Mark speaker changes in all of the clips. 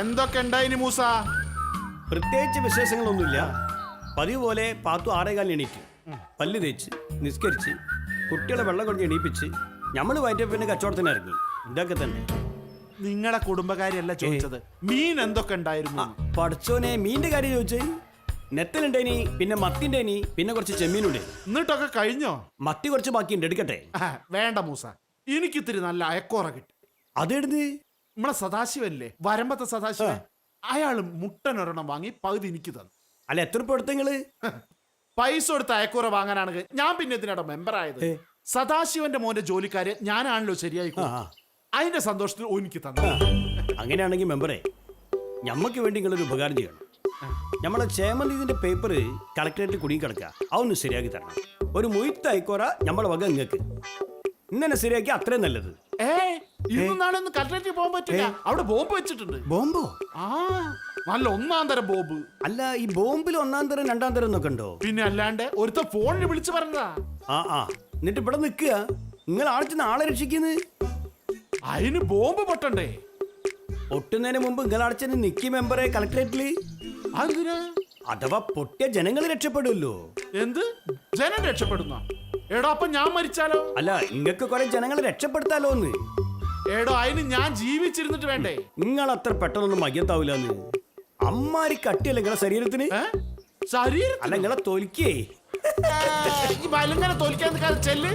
Speaker 1: എന്തൊക്കെ ഉണ്ടായിനി മൂസ?
Speaker 2: പ്രത്യേകിച്ച് വിശേഷങ്ങളൊന്നുമില്ല. പതിവ് പോലെ പാത്തു 6:15 എണീറ്റ് പല്ല് തേച്ച് നിസ്കരിച്ച് കുട്ടികളെ വെള്ളം കൊണ്ട് എണീപ്പിച്ച് നമ്മൾ വയറ്റപ്പിന് കച്ചവടത്തിന് ഇറങ്ങി. ഇതൊക്കെ തന്നെ.
Speaker 1: നിങ്ങളെ കുടുംബകാര്യല്ല ചോദിച്ചത്, മീൻ എന്തൊക്കെ ഉണ്ടായിരുന്നു?
Speaker 2: പഠിച്ചോനെ, മീനിന്റെ കാര്യം ചോദിച്ചേ. നെത്തലുണ്ടേനി, പിന്നെ മത്തിണ്ടേനി, പിന്നെ കുറച്ച് ചെമ്മീനുണ്ട്.
Speaker 1: എന്നിട്ടൊക്കെ കഴിഞ്ഞോ?
Speaker 2: മത്തി കുറച്ച് ബാക്കിയുണ്ട്, എടുക്കട്ടെ?
Speaker 1: വേണ്ട മൂസ, എനിക്കിത്തിരി നല്ല അയക്കോറ കിട്ടി.
Speaker 2: അതെടുത്ത്
Speaker 1: നമ്മളെ സദാശിവല്ലേ, വരമ്പത്തെ സദാശിവൻ, അയാള് മുട്ടനൊരെണ്ണം വാങ്ങി പകുതി എനിക്ക് തന്നു.
Speaker 2: അല്ല, എത്ര രൂപ എടുത്ത നിങ്ങള്?
Speaker 1: പൈസ കൊടുത്ത് അയക്കൂറ വാങ്ങാനാണെങ്കിൽ ഞാൻ പിന്നെ ഇതിനോട് മെമ്പർ ആയത്. സദാശിവന്റെ മോന്റെ ജോലിക്കാര് ഞാനാണല്ലോ ശരിയായി. അതിന്റെ സന്തോഷത്തിൽ എനിക്ക് തന്നു.
Speaker 2: അങ്ങനെയാണെങ്കിൽ മെമ്പറെ, ഞമ്മക്ക് വേണ്ടി നിങ്ങളൊരു ഉപകാരം ചെയ്യണം. നമ്മളെ ചേമന്തിന്റെ പേപ്പർ കളക്ടറേറ്റിൽ കുടുങ്ങി കിടക്കുക, അതൊന്ന് ശരിയാക്കി തരണം. ഒരു മുഴുത്ത അയക്കോറ നമ്മളെ വക നിങ്ങൾക്ക് ഇന്നെ ശരിയാക്കി അത്രയും നല്ലത്.
Speaker 1: ഇന്നും നാളെ ഒന്ന് കളക്ടറേറ്റിൽ പോകാൻ പറ്റില്ല, അവിടെ ബോംബ് വെച്ചിട്ടുണ്ട്.
Speaker 2: ബോംബോ?
Speaker 1: നല്ല 1-ാം തരം ബോംബ്.
Speaker 2: അല്ല, ഈ ബോംബിൽ 1-ാം തരം 2-ാം തരം എന്നൊക്കെ ഉണ്ടോ?
Speaker 1: പിന്നെ അല്ലാണ്ട് ഒരുത്ത ഫോണിൽ വിളിച്ചു പറഞ്ഞതാ.
Speaker 2: എന്നിട്ട് ഇവിടെ നിൽക്കുക, നിങ്ങൾ ആളിച്ച് ആളെ രക്ഷിക്കുന്നത്.
Speaker 1: അതിന് ബോംബ് പൊട്ടണ്ടേ?
Speaker 2: പൊട്ടുന്നതിന് മുമ്പ് നിങ്ങൾ അടച്ചു നിക്കി മെമ്പറെ കളക്ടറേറ്റില്.
Speaker 1: അതിന്
Speaker 2: അഥവാ പൊട്ടിയ ജനങ്ങൾ രക്ഷപ്പെടുമല്ലോ.
Speaker 1: എന്ത് ജനം രക്ഷപ്പെടുന്ന? എടോ, അപ്പൊ ഞാൻ മരിച്ചാലോ?
Speaker 2: അല്ല, നിങ്ങൾക്ക് കുറെ ജനങ്ങളെ രക്ഷപ്പെടുത്താലോ എന്ന്.
Speaker 1: എടോ, അതിന് ഞാൻ ജീവിച്ചിരുന്നിട്ട് വേണ്ടേ?
Speaker 2: നിങ്ങൾ അത്ര പെട്ടെന്നൊന്നും മയ്യത്താവൂലെന്ന്. അമ്മാരി കട്ടിയല്ല നിങ്ങളെ ശരീരത്തിന്.
Speaker 1: ശരീരം
Speaker 2: അല്ല, നിങ്ങളെ തൊലിക്കേ.
Speaker 1: വലുങ്ങനെ തോൽക്കാൻ ചെല്ല്.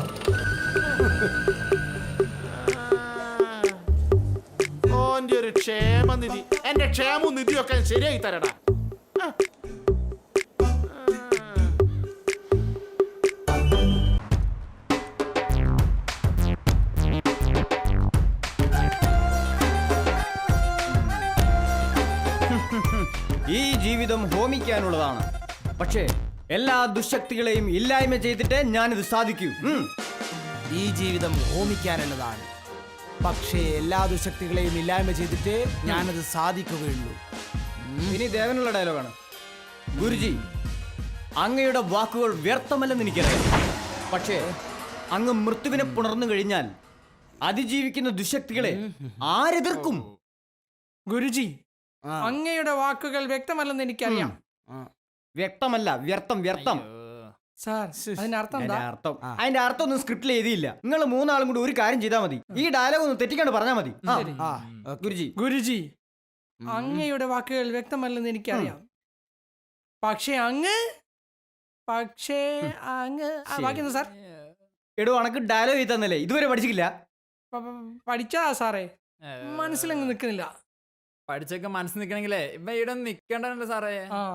Speaker 1: ഓന്റെ ഒരു ക്ഷേമനിധി, എന്റെ ക്ഷേമവും നിധിയൊക്കെ ശരിയായി തരടാ.
Speaker 3: ഈ ജീവിതം ഹോമിക്കാനുള്ളതാണ്. പക്ഷേ എല്ലാ ദുശക്തികളെയും ഇല്ലായ്മ ചെയ്തിട്ട് ഞാനിത് സാധിക്കൂ.
Speaker 4: ഈ ജീവിതം ഹോമിക്കാനുള്ളതാണ്, പക്ഷേ എല്ലാ ദുശക്തികളെയും ഇല്ലായ്മ ചെയ്തിട്ട് ഞാനത് സാധിക്കുകയുള്ളൂ.
Speaker 3: ഇനി ദേവനുള്ള ഡയലോഗാണ്. ഗുരുജി, അങ്ങയുടെ വാക്കുകൾ വ്യർത്ഥമല്ലെന്ന് എനിക്കറിയാം. പക്ഷേ അങ്ങ് മൃത്യുവിനെ പുണർന്നു കഴിഞ്ഞാൽ അതിജീവിക്കുന്ന ദുശക്തികളെ ആരെതിർക്കും?
Speaker 5: ഗുരുജി, അങ്ങയുടെ വാക്കുകൾ വ്യക്തമല്ലെന്ന് എനിക്കറിയാം.
Speaker 3: വ്യക്തമല്ല, വ്യർത്ഥം, വ്യർത്ഥം.
Speaker 5: സാർ, അതിനർത്ഥം
Speaker 3: അതിന്റെ അർത്ഥം ഒന്നും സ്ക്രിപ്റ്റിൽ എഴുതിയില്ല. നിങ്ങൾ 3 ആളും കൂടി ഒരു കാര്യം ചെയ്താൽ മതി. ഈ ഡയലോഗ് ഒന്ന് തെറ്റിക്കാണ്ട് പറഞ്ഞാൽ മതി.
Speaker 5: ഗുരുജി, അങ്ങയുടെ വാക്കുകൾ വ്യക്തമല്ലെന്ന് എനിക്കറിയാം. പക്ഷേ അങ്ങ് ബാക്കി സാർ.
Speaker 3: എടോ, അണക്ക് ഡയലോഗ് എഴുതി തന്നല്ലേ, ഇതുവരെ പഠിച്ചിട്ടില്ല?
Speaker 5: പഠിച്ചാ സാറേ, മനസ്സിലങ്ങ് നിൽക്കുന്നില്ല.
Speaker 6: പഠിച്ചൊക്കെ മനസ്സിൽ നിൽക്കണെങ്കിലേ ഇപ്പൊ ഇവിടെ നിക്കണ്ടല്ലോ സാറേ.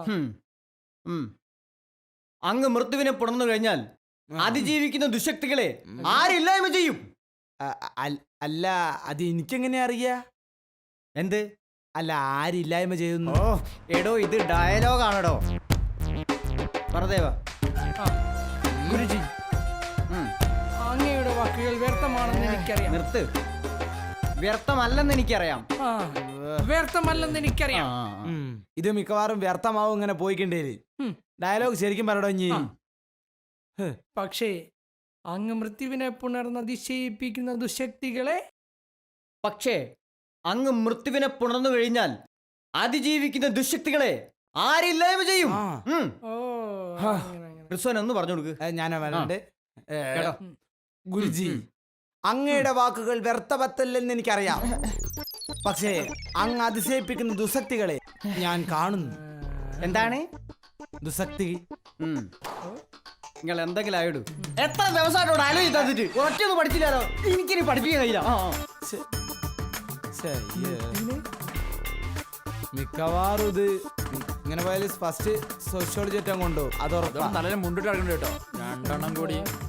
Speaker 3: അങ്ങ് മൃത്യുവിനെ പുണർന്നു കഴിഞ്ഞാൽ അതിജീവിക്കുന്ന ദുശക്തികളെ ആരില്ലായ്മ ചെയ്യും?
Speaker 4: അല്ല, അത് എനിക്കെങ്ങനെ അറിയാ?
Speaker 3: എന്ത്?
Speaker 4: അല്ല, ആരില്ലായ്മ ചെയ്യുന്നു?
Speaker 3: എടോ, ഇത് ഡയലോഗാണോ? പറദേവ.
Speaker 5: ഗുരുജി, അങ്ങയുടെ വാക്കുകൾ വ്യർത്ഥമാണെന്ന് എനിക്കറിയാം.
Speaker 3: നിർത്ത്. വ്യർത്ഥമല്ലെന്ന് എനിക്കറിയാം.
Speaker 5: വ്യർത്ഥമല്ലെന്ന് എനിക്കറിയാം.
Speaker 4: ഇത് മിക്കവാറും വ്യർത്ഥമാവും ഇങ്ങനെ പോയിക്കണ്ടേല്. ഡയലോഗ് ശരിക്കും പറയടോ ഇനി.
Speaker 5: പക്ഷേ അങ്ങ് മൃത്യുവിനെ പുണർന്നതിശയിപ്പിക്കുന്ന ദുശക്തികളെ
Speaker 3: പുണർന്നു കഴിഞ്ഞാൽ അതിജീവിക്കുന്ന ദുശക്തികളെ ആരില്ലായ്മ ചെയ്യും? ഒന്ന് പറഞ്ഞു കൊടുക്ക്.
Speaker 4: ഞാൻ വരണ്ട്. ഗുരുജി, അങ്ങയുടെ വാക്കുകൾ വ്യർത്ഥമല്ലെന്ന് എനിക്കറിയാം. പക്ഷേ അങ്ങ് അതിശയിപ്പിക്കുന്ന ദുശക്തികളെ ഞാൻ കാണുന്നു.
Speaker 3: എന്താണ്
Speaker 4: ദുശക്തി?
Speaker 3: നിങ്ങൾ എന്തെങ്കിലും ആയിടൂ. എത്ര ദിവസമായിട്ടോ ഡയലോഗ് തന്നിട്ട് ഒറ്റയൊന്നും പഠിച്ചില്ലാലോ. എനിക്കിനി പഠിപ്പിക്കാൻ കഴിയില്ല.
Speaker 4: മിക്കവാറും ഇത് ഇങ്ങനെ പോയാൽ ഫസ്റ്റ് സോഷ്യോളജി ഏറ്റവും കൊണ്ടോ അത്
Speaker 6: നല്ല മുണ്ടിട്ട് കിടക്കണ്ട കേട്ടോ. 2 എണ്ണം കൂടി